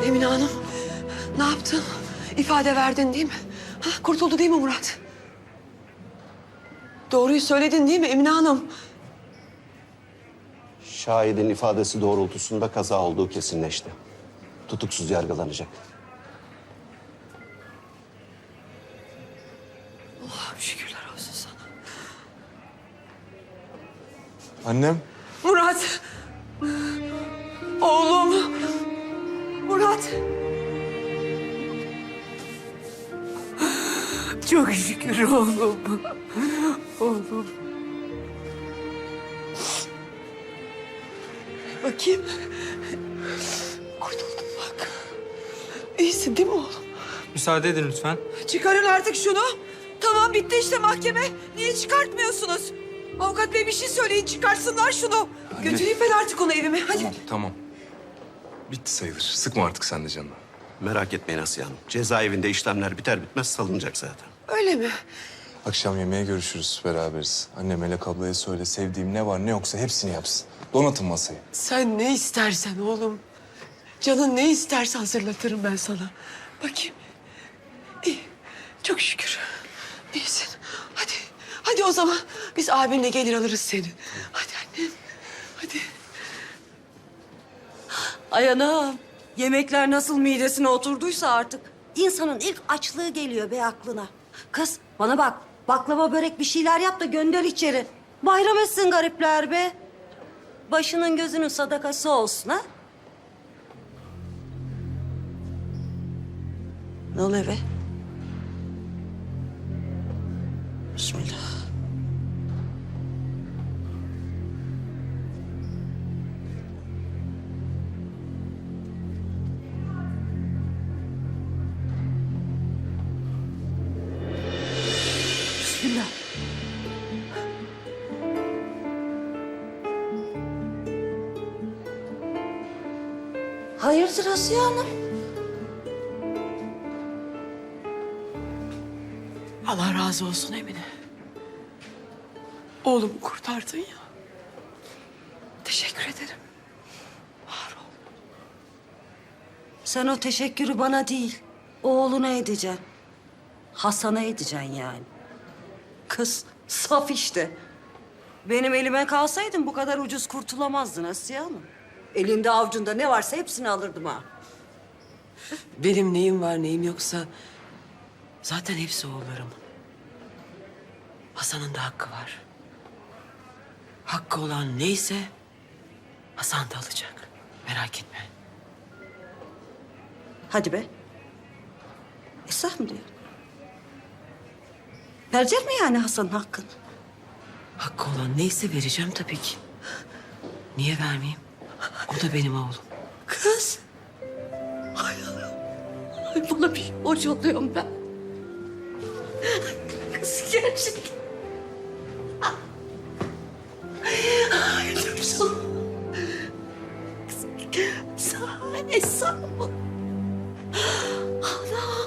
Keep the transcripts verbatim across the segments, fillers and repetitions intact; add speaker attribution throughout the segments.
Speaker 1: Emine Hanım, ne yaptın? İfade verdin değil mi? Ha, kurtuldu değil mi Murat? Doğruyu söyledin değil mi Emine Hanım?
Speaker 2: Şahidin ifadesi doğrultusunda kaza olduğu kesinleşti. Tutuksuz yargılanacak.
Speaker 1: Allah'ım şükürler olsun sana.
Speaker 3: Annem.
Speaker 1: Murat! Oğlum! Murat! Çok şükür oğlum. Oğlum. Bakayım. Kurtuldum bak. İyisin değil mi oğlum?
Speaker 4: Müsaade edin lütfen.
Speaker 1: Çıkarın artık şunu. Tamam bitti işte mahkeme. Niye çıkartmıyorsunuz? Avukat bey bir şey söyleyin çıkarsınlar şunu. Götüreyim ben artık onu evime hadi.
Speaker 3: Tamam, tamam. Bitti sayılır. Sıkma artık sen de canını.
Speaker 2: Merak etmeyin Asiye Hanım. Cezaevinde işlemler biter bitmez salınacak zaten.
Speaker 1: Öyle mi?
Speaker 3: Akşam yemeğe görüşürüz, beraberiz. Anne Melek ablaya söyle, sevdiğim ne var ne yoksa hepsini yapsın. Donatın masayı.
Speaker 1: Sen ne istersen oğlum. Canın ne isterse hazırlatırım ben sana. Bakayım. İyi. Çok şükür. İyisin. Hadi. Hadi o zaman biz abinle gelir alırız seni. Hadi annem. Hadi.
Speaker 5: Ay anam, yemekler nasıl midesine oturduysa artık. İnsanın ilk açlığı geliyor be aklına. Kız bana bak, baklava börek bir şeyler yap da gönder içeri. Bayram etsin garipler be. Başının gözünün sadakası olsun ha. Ne oluyor be? Bismillah. Bismillah. Hayırdır Asiye Hanım?
Speaker 1: Allah razı olsun Emine. Oğlumu kurtardın ya. Teşekkür ederim. Var ol.
Speaker 5: Sen o teşekkürü bana değil, oğluna edeceksin. Hasan'a edeceksin yani. Kız saf işte. Benim elime kalsaydın bu kadar ucuz kurtulamazdın Asiye Hanım. Elinde avucunda ne varsa hepsini alırdım ha.
Speaker 1: Benim neyim var neyim yoksa zaten hepsi oğullarımın. Hasan'ın da hakkı var. Hakkı olan neyse Hasan da alacak. Merak etme.
Speaker 5: Hadi be. Esah mı diyor? Verecek mi yani Hasan'ın hakkını?
Speaker 1: Hakkı olan neyse vereceğim tabii ki. Niye vermeyeyim? O da benim oğlum.
Speaker 5: Kız. Ay Allah'ım. Ay bana bir hoş oluyorum ben. Kız gerçekten. Ay dur sana. Kız sana sağ ol. Allah.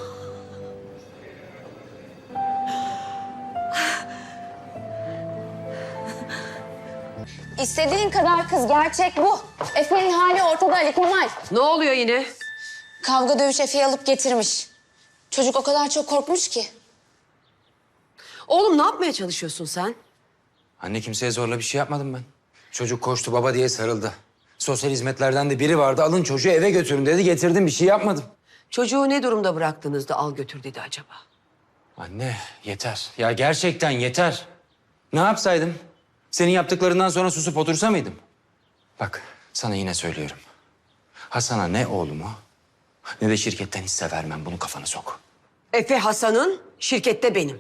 Speaker 6: İstediğin kadar kız, gerçek bu. Efe'nin hali ortada Ali Kemal.
Speaker 1: Ne oluyor yine?
Speaker 6: Kavga dövüş Efe'yi alıp getirmiş. Çocuk o kadar çok korkmuş ki.
Speaker 1: Oğlum ne yapmaya çalışıyorsun sen?
Speaker 4: Anne kimseye zorla bir şey yapmadım ben. Çocuk koştu baba diye sarıldı. Sosyal hizmetlerden de biri vardı. Alın çocuğu eve götürün dedi. Getirdim bir şey yapmadım.
Speaker 1: Çocuğu ne durumda bıraktınız da al götür dedi acaba?
Speaker 4: Anne yeter. Ya gerçekten yeter. Ne yapsaydım? Senin yaptıklarından sonra susup otursa mıydım? Bak sana yine söylüyorum. Hasan'a ne oğlumu ne de şirketten hisse vermem. Bunu kafana sok.
Speaker 1: Efe Hasan'ın şirkette benim.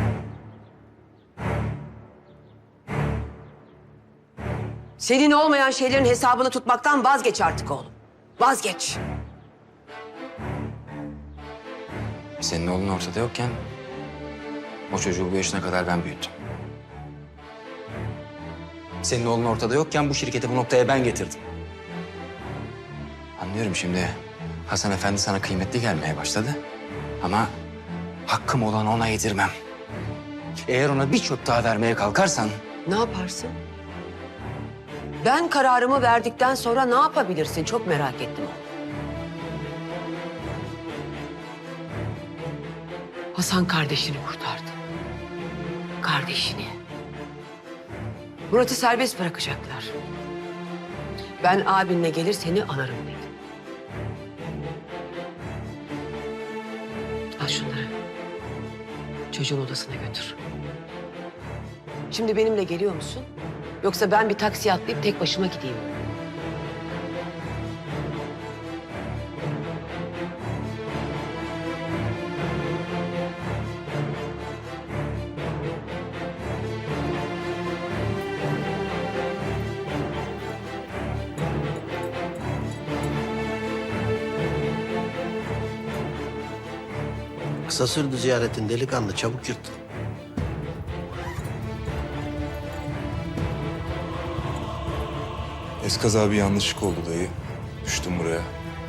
Speaker 1: Senin olmayan şeylerin hesabını tutmaktan vazgeç artık oğlum. Vazgeç.
Speaker 4: Senin oğlun ortada yokken o çocuğu bu yaşına kadar ben büyüttüm. Senin oğlun ortada yokken bu şirketi bu noktaya ben getirdim. Anlıyorum şimdi Hasan Efendi sana kıymetli gelmeye başladı. Ama hakkım olanı ona yedirmem. Eğer ona bir çöp daha vermeye kalkarsan...
Speaker 1: Ne yaparsın? Ben kararımı verdikten sonra ne yapabilirsin? Çok merak ettim. Hasan kardeşini kurtardı. Kardeşini. Murat'ı serbest bırakacaklar. Ben abinle gelir seni alırım dedi. Al şunları. Çocuğun odasına götür. Şimdi benimle geliyor musun? Yoksa ben bir taksiye atlayıp tek başıma gideyim.
Speaker 7: Kısa sürdü ziyaretin delikanlı, çabuk yırttın.
Speaker 3: Eskaza bir yanlışlık oldu dayı. Düştüm buraya.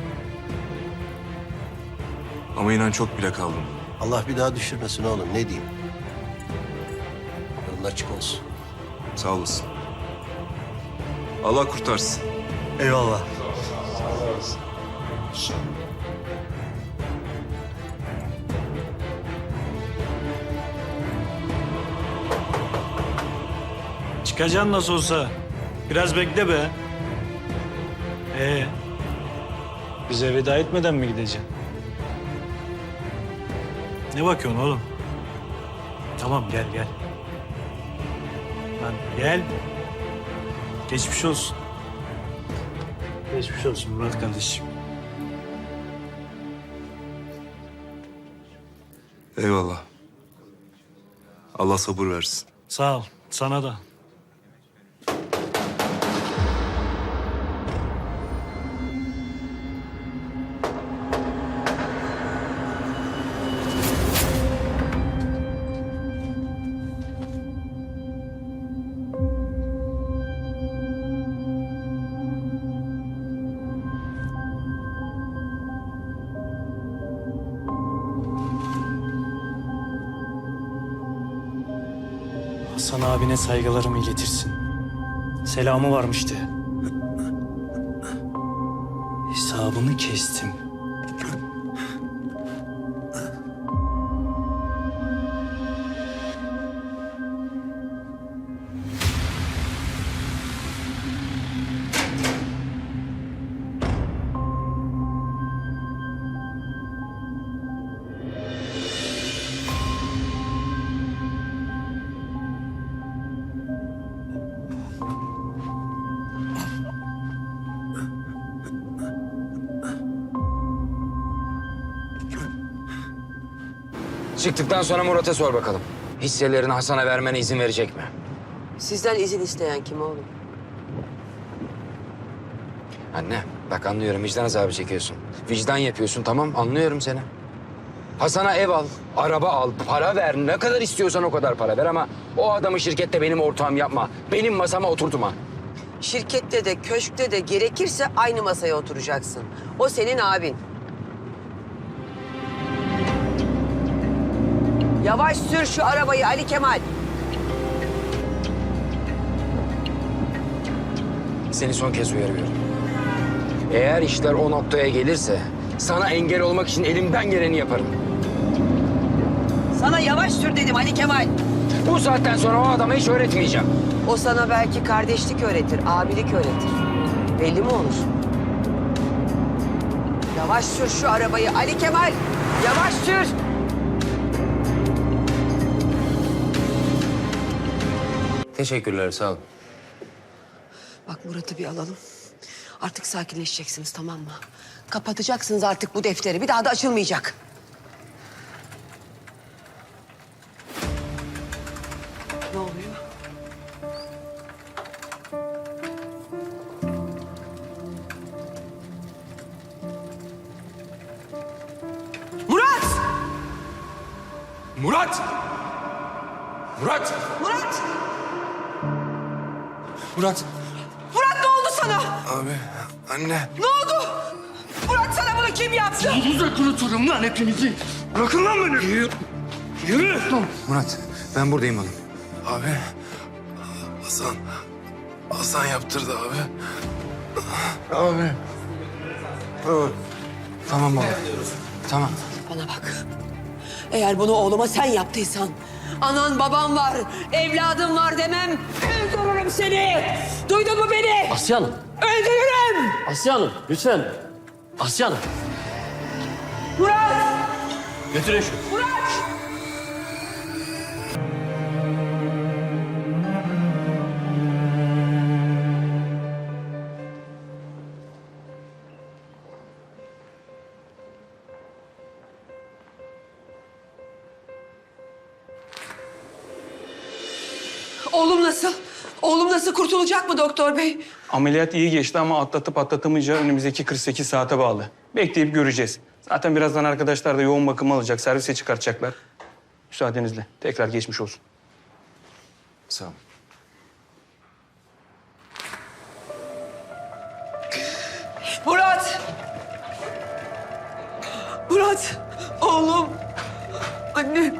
Speaker 3: Ama inan çok bile kaldım.
Speaker 7: Allah bir daha düşürmesin oğlum, ne diyeyim? Yolun açık olsun.
Speaker 3: Sağ olasın. Allah kurtarsın.
Speaker 7: Eyvallah.
Speaker 8: Çıkacaksın nasıl olsa. Biraz bekle be. Ee, bize veda etmeden mi gideceksin? Ne bakıyorsun oğlum? Tamam gel gel. Lan gel. Geçmiş olsun. Geçmiş olsun Murat kardeşim.
Speaker 3: Eyvallah. Allah sabır versin.
Speaker 8: Sağ ol. Sana da. Hasan abine saygılarımı iletirsin. Selamı varmıştı. Hesabını kestim.
Speaker 4: Çıktıktan sonra Murat'a sor bakalım. Hisselerini Hasan'a vermene izin verecek mi?
Speaker 1: Sizden izin isteyen kim oğlum?
Speaker 4: Anne, bak anlıyorum vicdan azabı çekiyorsun. Vicdan yapıyorsun, tamam anlıyorum seni. Hasan'a ev al, araba al, para ver. Ne kadar istiyorsan o kadar para ver ama o adamı şirkette benim ortağım yapma. Benim masama oturtma.
Speaker 1: Şirkette de köşkte de gerekirse aynı masaya oturacaksın. O senin abin. Yavaş sür şu arabayı Ali Kemal.
Speaker 4: Seni son kez uyarıyorum. Eğer işler o noktaya gelirse sana engel olmak için elimden geleni yaparım.
Speaker 1: Sana yavaş sür dedim Ali Kemal.
Speaker 4: Bu saatten sonra o adama hiç öğretmeyeceğim.
Speaker 1: O sana belki kardeşlik öğretir, abilik öğretir. Belli mi olur? Yavaş sür şu arabayı Ali Kemal. Yavaş sür.
Speaker 4: Teşekkürler, sağ ol.
Speaker 1: Bak Murat'ı bir alalım. Artık sakinleşeceksiniz, tamam mı? Kapatacaksınız artık bu defteri. Bir daha da açılmayacak. Ne oluyor? Murat!
Speaker 3: Murat! Murat!
Speaker 1: Murat!
Speaker 3: Murat!
Speaker 1: Murat ne oldu sana?
Speaker 3: Abi, anne.
Speaker 1: Ne oldu? Murat sana bunu kim yaptı?
Speaker 8: Kuruturum lan hepinizi. Bırakın lan beni. Yürü. Yürü.
Speaker 4: Murat, ben buradayım oğlum.
Speaker 3: Abi, Hasan. Hasan yaptırdı abi. Abi.
Speaker 4: Tamam oğlum. Tamam.
Speaker 1: Bana bak. Eğer bunu oğluma sen yaptıysan, anan baban var, evladım var demem, öldürürüm seni. Duydun mu beni?
Speaker 9: Asya Hanım.
Speaker 1: Öldürürüm.
Speaker 9: Asya Hanım lütfen. Asya Hanım.
Speaker 1: Murat!
Speaker 9: Götürün şunu.
Speaker 1: Murat! Oğlum nasıl? Oğlum nasıl, kurtulacak mı doktor bey?
Speaker 10: Ameliyat iyi geçti ama atlatıp atlatamayacağı önümüzdeki kırk sekiz saate bağlı. Bekleyip göreceğiz. Zaten birazdan arkadaşlar da yoğun bakım alacak, servise çıkartacaklar. Müsaadenizle tekrar geçmiş olsun.
Speaker 4: Sağ ol.
Speaker 1: Murat! Murat! Oğlum! Annem!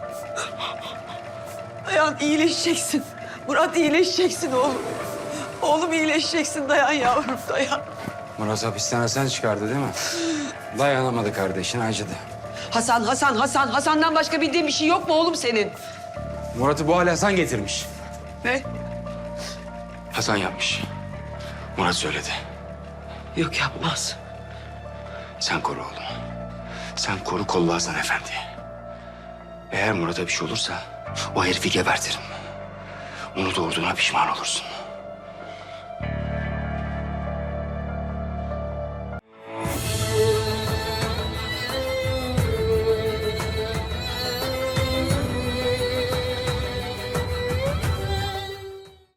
Speaker 1: Dayan, iyileşeceksin. Murat, iyileşeceksin oğlum. Oğlum iyileşeceksin, dayan yavrum, dayan.
Speaker 4: Murat hapishaneden çıkardı değil mi? Dayanamadı kardeşin, acıdı.
Speaker 1: Hasan, Hasan, Hasan. Hasan'dan başka bildiğin bir şey yok mu oğlum senin?
Speaker 4: Murat'ı bu hale Hasan getirmiş.
Speaker 1: Ne?
Speaker 4: Hasan yapmış. Murat söyledi.
Speaker 1: Yok, yapmaz.
Speaker 4: Sen koru oğlumu. Sen koru, kolla Hasan Efendi. Eğer Murat'a bir şey olursa o herifi gebertirim. Onu doğurduğuna pişman olursun.